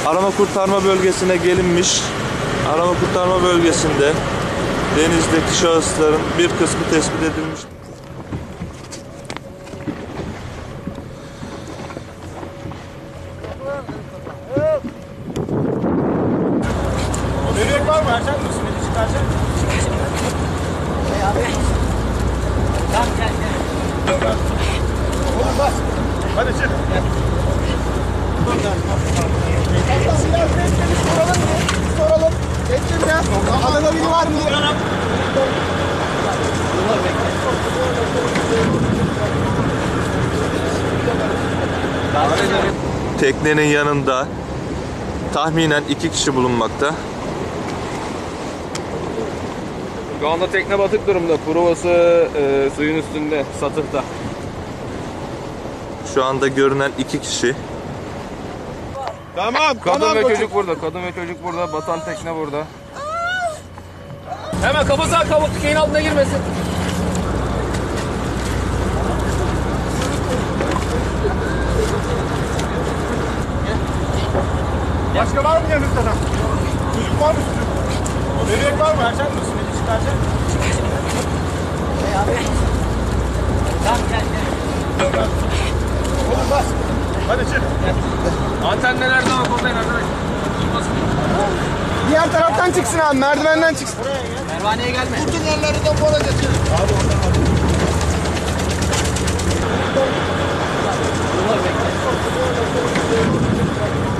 Arama kurtarma bölgesine gelinmiş. Arama kurtarma bölgesinde denizdeki şahısların bir kısmı tespit edilmiş. Bebek var mı? Verecek misin? Beni çıkaracak mısın? Hey abi. Tamam gel. Oğlum bas. Hadi çık. Gel. Biraz bekle bir soralım mı? Soralım. Bekle biraz. Adana biri var mı diye. Teknenin yanında tahminen 2 kişi bulunmakta. Şu anda tekne batık durumda. Provası suyun üstünde, satıhta. Şu anda görünen 2 kişi. Tamam. Kadın ve çocuk burada. Kadın ve çocuk burada. Batan tekne burada. Hemen kafası şeyin altına girmesin. Başka var mı yanınızda da? Çocuk var mı? Bebek var mı? Verecek misin? Beni çıkaracak mısın? Hey abi. Tamam gel. Oğlum bas. Hadi çık. Antenler nerede ama kodlayın arkadaşlar. Diğer taraftan çıksın abi. Merdivenden çıksın. Pervaneye gelme. Bütün yerlerinden bola geçin. Abi oradan al. Dur bekle.